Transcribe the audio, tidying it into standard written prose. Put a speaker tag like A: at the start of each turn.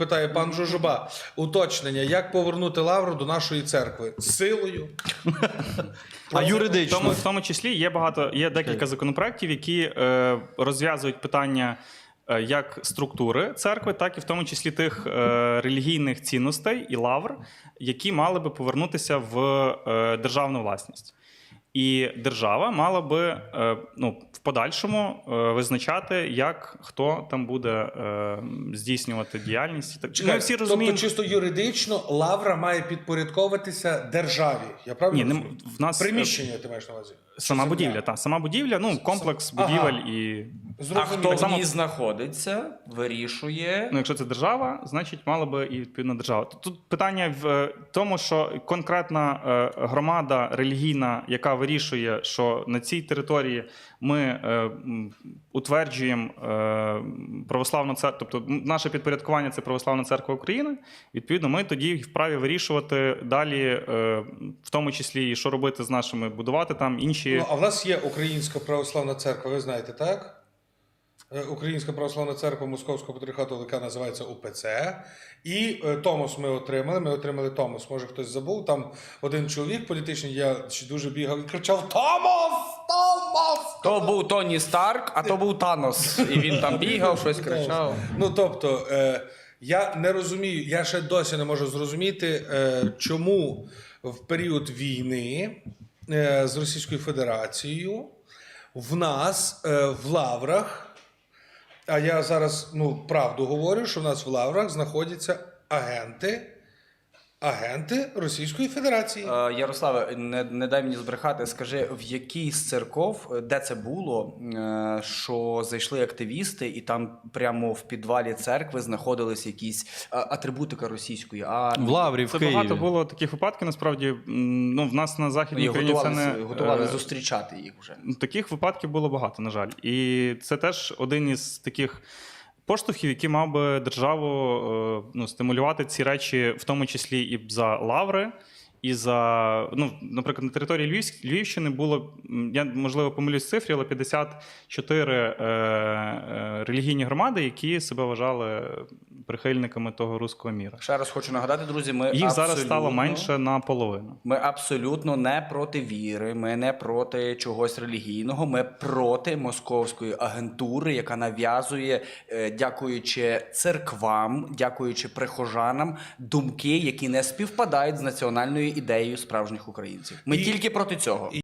A: Питає пан Жужуба. Уточнення, як повернути лавру до нашої церкви? Силою?
B: А юридично?
C: В тому числі є декілька законопроєктів, які розв'язують питання як структури церкви, так і в тому числі тих релігійних цінностей і лавр, які мали би повернутися в державну власність. І держава мала би в подальшому визначати, як хто там буде здійснювати діяльність.
A: Чекай,
C: Ми всі розуміємо...
A: Тобто чисто юридично лавра має підпорядковуватися державі. Я правильно розумію?
C: В нас
A: Приміщення ти маєш на увазі?
C: сама будівля, так. Сама будівля, комплекс будівель і...
D: А хто
C: Так
D: в
C: само-
D: ній знаходиться, вирішує.
C: якщо це держава, значить мала би і відповідно держава. Тут питання в тому, що конкретна громада релігійна, яка вирішує, що на цій території ми утверджуємо православну церкву, тобто наше підпорядкування – це Православна церква України, відповідно ми тоді вправі вирішувати далі, в тому числі, і що робити з нашими, будувати там інші...
A: А в нас є Українська православна церква, ви знаєте, так? Українська православна церква Московського патріархату, яка називається УПЦ. І Томос ми отримали Томос. Може хтось забув, там один чоловік політичний, я дуже бігав і кричав «Томос! Томос!»
D: То був Тоні Старк, а то був Танос. І він там бігав, щось кричав.
A: Тобто, я не розумію, я ще досі не можу зрозуміти, чому в період війни з Російською Федерацією в нас в лаврах, а я зараз правду говорю, що в нас в лаврах знаходяться агенти Російської Федерації.
D: Ярославе, не дай мені збрехати, скажи, в якій з церков, де це було, що зайшли активісти і там прямо в підвалі церкви знаходились якісь атрибутика російської армії?
B: В Лаврі, в
C: Це
B: Києві.
C: багато було таких випадків, насправді, в нас на Західній
D: І
C: Україні це не...
D: готували зустрічати їх вже.
C: Таких випадків було багато, на жаль. І це теж один із таких поштовхів, який мав би державу стимулювати ці речі, в тому числі і за лаври, і за, наприклад, на території Львівщини було, я, можливо, помилюсь в цифрі, але 54 релігійні громади, які себе вважали прихильниками того руського міра.
D: Ще раз хочу нагадати, друзі,
C: Їх зараз стало менше наполовину.
D: Ми абсолютно не проти віри, ми не проти чогось релігійного, ми проти московської агентури, яка нав'язує, дякуючи церквам, дякуючи прихожанам, думки, які не співпадають з національною ідеєю справжніх українців. Ми тільки проти цього.